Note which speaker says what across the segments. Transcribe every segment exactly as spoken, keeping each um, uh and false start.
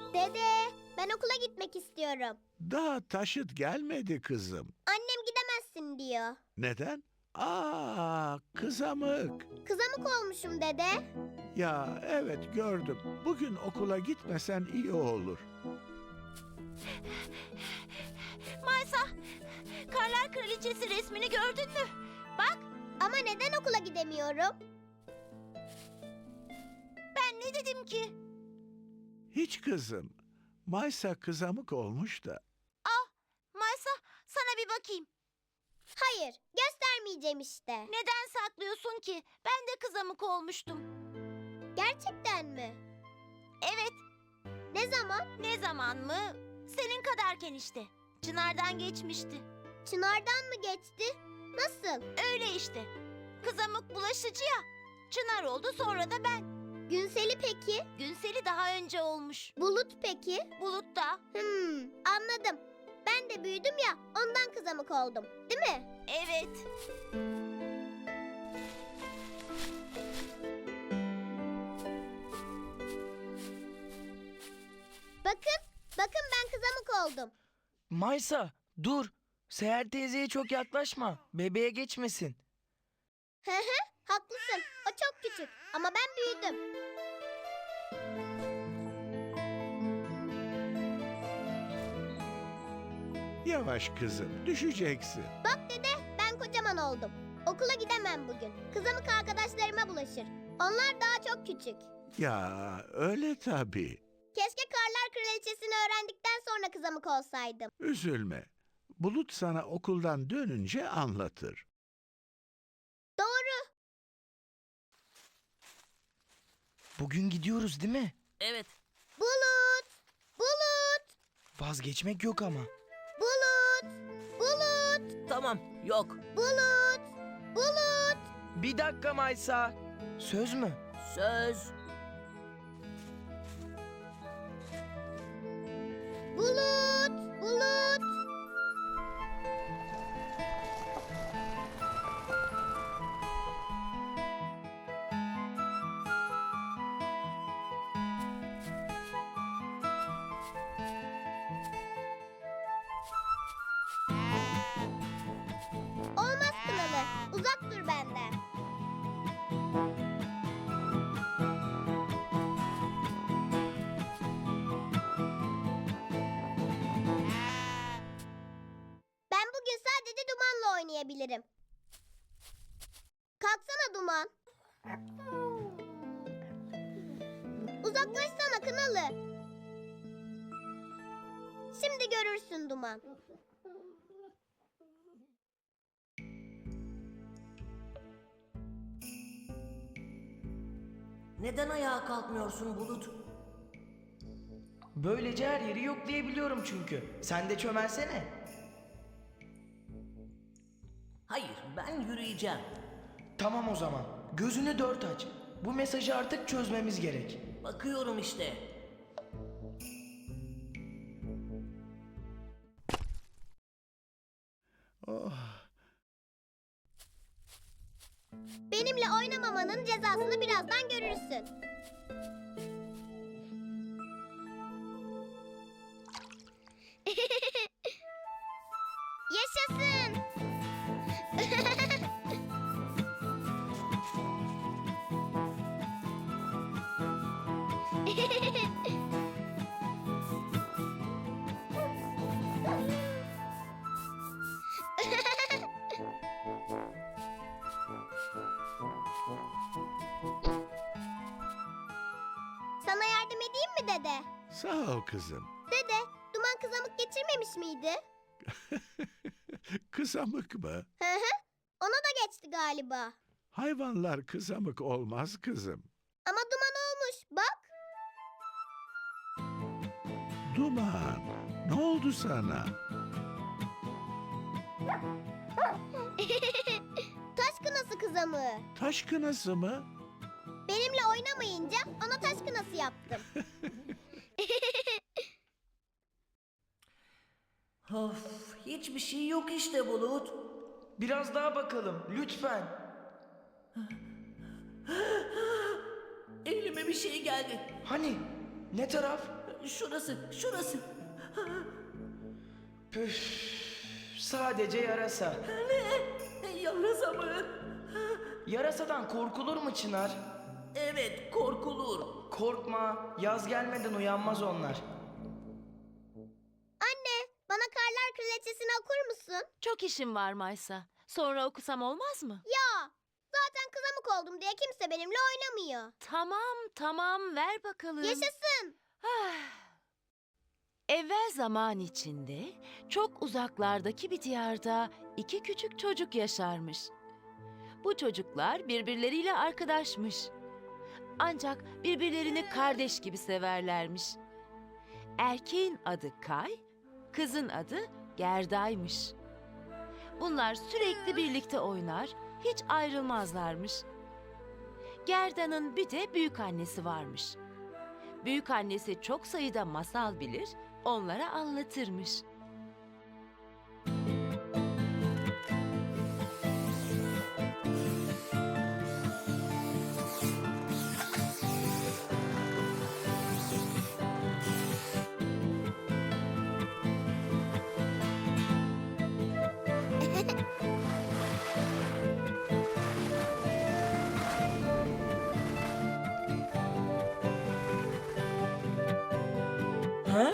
Speaker 1: Dede, ben okula gitmek istiyorum.
Speaker 2: Daha taşıt gelmedi kızım.
Speaker 1: Annem gidemezsin diyor.
Speaker 2: Neden? Aa, kızamık.
Speaker 1: Kızamık olmuşum dede.
Speaker 2: Ya evet gördüm. Bugün okula gitmesen iyi olur.
Speaker 3: Maysa, Karlar Kraliçesi resmini gördün mü? Bak,
Speaker 1: Ama neden okula gidemiyorum?
Speaker 3: ben ne dedim ki?
Speaker 2: Hiç kızım. Maysa kızamık olmuş da.
Speaker 3: Maysa, sana bir bakayım.
Speaker 1: Hayır, göstermeyeceğim işte.
Speaker 3: Neden saklıyorsun ki? Ben de kızamık olmuştum.
Speaker 1: Gerçekten mi?
Speaker 3: Evet,
Speaker 1: Ne zaman?
Speaker 3: ne zaman mı? Senin kadarken işte. Çınardan geçmişti.
Speaker 1: Çınardan mı geçti? Nasıl?
Speaker 3: Öyle işte. Kızamık bulaşıcı ya. Çınar oldu, sonra da ben.
Speaker 1: Günseli peki?
Speaker 3: Günseli daha önce olmuş.
Speaker 1: Bulut peki?
Speaker 3: Bulut da.
Speaker 1: Hmm, anladım. Ben de büyüdüm ya, ondan kızamık oldum. Değil mi?
Speaker 3: Evet.
Speaker 1: Bakın, bakın ben kızamık oldum.
Speaker 4: Maysa, dur. Seher teyzeye çok yaklaşma. Bebeğe geçmesin.
Speaker 1: Hı hı, haklısın. O çok küçük ama ben büyüdüm.
Speaker 2: Yavaş kızım, düşeceksin.
Speaker 1: Bak dede, ben kocaman oldum. Okula gidemem bugün. Kızamık arkadaşlarıma bulaşır. Onlar daha çok küçük.
Speaker 2: Ya öyle tabii.
Speaker 1: Keşke Karlar Kraliçesini öğrendikten sonra kızamık olsaydım.
Speaker 2: Üzülme. Bulut sana okuldan dönünce anlatır.
Speaker 1: Doğru.
Speaker 4: Bugün gidiyoruz değil mi?
Speaker 3: Evet.
Speaker 1: Bulut! Bulut!
Speaker 4: Vazgeçmek yok ama.
Speaker 1: Bulut! Bulut!
Speaker 3: Tamam, yok.
Speaker 1: Bulut! Bulut!
Speaker 4: Bir dakika Maysa. Söz mü?
Speaker 3: Söz.
Speaker 1: Bulut! Bulut! Olmaz Kınalı. Uzak dur benden. Ben bugün sadece Duman'la oynayabilirim. Kalksana Duman. Uzaklaşsana Kınalı. Şimdi görürsün Duman.
Speaker 5: Neden ayağa kalkmıyorsun Bulut?
Speaker 4: Böylece her yeri yoklayabiliyorum çünkü. Sen de çömelsene.
Speaker 5: Hayır, ben yürüyeceğim.
Speaker 4: Tamam o zaman. Gözünü dört aç. Bu mesajı artık çözmemiz gerek.
Speaker 5: Bakıyorum işte.
Speaker 2: Oh,
Speaker 1: Benimle oynamamanın cezasını birazdan görürsün. Yaşasın. Sana yardım edeyim mi dede?
Speaker 2: sağ ol kızım.
Speaker 1: Dede, Duman kızamık geçirmemiş miydi?
Speaker 2: Kızamık mı?
Speaker 1: Hı hı. Ona da geçti galiba.
Speaker 2: Hayvanlar kızamık olmaz kızım.
Speaker 1: Ama Duman olmuş. Bak.
Speaker 2: Duman, ne oldu sana?
Speaker 1: Taş kınası kızamığı.
Speaker 2: Taş kınası mı?
Speaker 1: Benimle oynamayınca ona taş kınası yaptım.
Speaker 5: Of, hiçbir şey yok işte Bulut.
Speaker 4: Biraz daha bakalım lütfen.
Speaker 5: Elime bir şey geldi.
Speaker 4: Hani? Ne taraf?
Speaker 5: Şurası, şurası.
Speaker 4: Püf, sadece yarasa.
Speaker 5: Ne? Yarasa mı?
Speaker 4: Yarasadan korkulur mu Çınar?
Speaker 5: Evet, korkulur.
Speaker 4: Korkma, yaz gelmeden uyanmaz onlar.
Speaker 1: Anne, bana Karlar Kraliçesi'ni okur musun?
Speaker 3: Çok işim var Maysa. Sonra okusam olmaz mı?
Speaker 1: Ya, zaten kızamık oldum diye kimse benimle oynamıyor.
Speaker 3: Tamam, tamam, ver bakalım.
Speaker 1: Yaşasın.
Speaker 3: Ah. Evvel zaman içinde çok uzaklardaki bir diyarda iki küçük çocuk yaşarmış. Bu çocuklar birbirleriyle arkadaşmış. Ancak birbirlerini kardeş gibi severlermiş. Erkeğin adı Kay, kızın adı Gerda'ymış. Bunlar sürekli birlikte oynar, hiç ayrılmazlarmış. Gerda'nın bir de büyük annesi varmış. Büyük annesi çok sayıda masal bilir, onlara anlatırmış.
Speaker 4: Ha?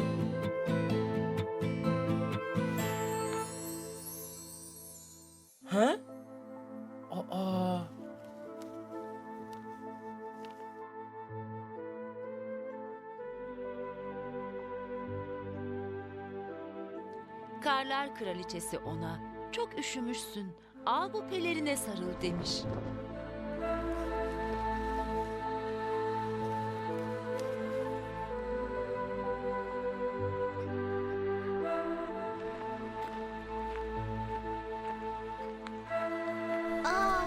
Speaker 4: Ha? Aa.
Speaker 3: Karlar Kraliçesi ona, "Çok üşümüşsün, al bu pelerine sarıl." demiş.
Speaker 1: Aa.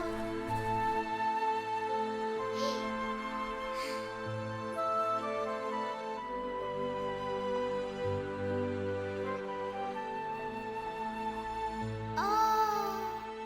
Speaker 1: Aa.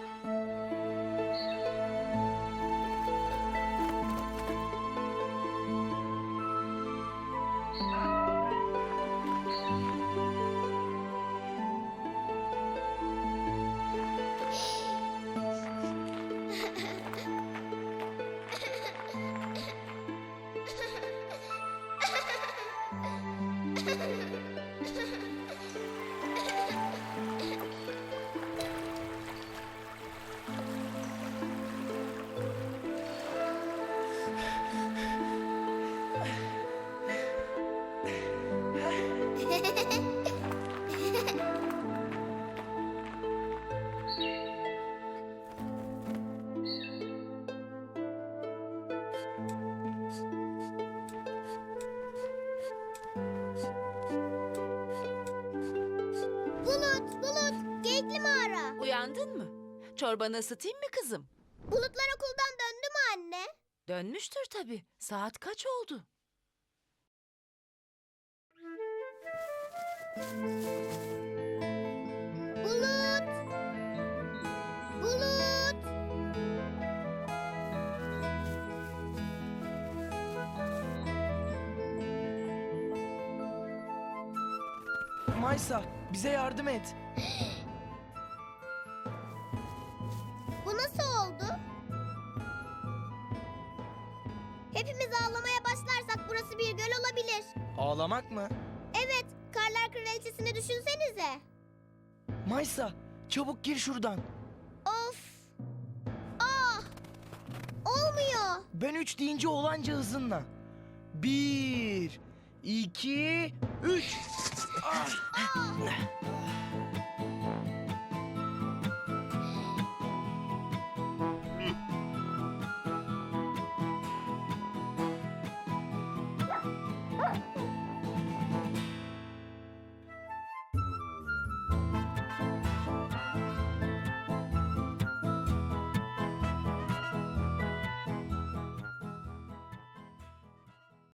Speaker 1: Bulut, Bulut, Geyikli Mağara.
Speaker 3: Uyandın mı? Çorbanı ısıtayım mı kızım?
Speaker 1: Bulutlar okuldan döndü mü anne?
Speaker 3: Dönmüştür tabii. Saat kaç oldu?
Speaker 1: Bulut! Bulut!
Speaker 4: Maysa, bize yardım et.
Speaker 1: Bu nasıl oldu? Hepimiz ağlamaya başlarsak burası bir göl olabilir.
Speaker 4: Ağlamak mı?
Speaker 1: Evet, Karlar Kraliçesi'ni düşünsenize.
Speaker 4: Maysa, çabuk gir şuradan.
Speaker 1: Of! Ah! Olmuyor.
Speaker 4: Ben üç deyince olanca hızınla. Bir, iki, üç. Ah!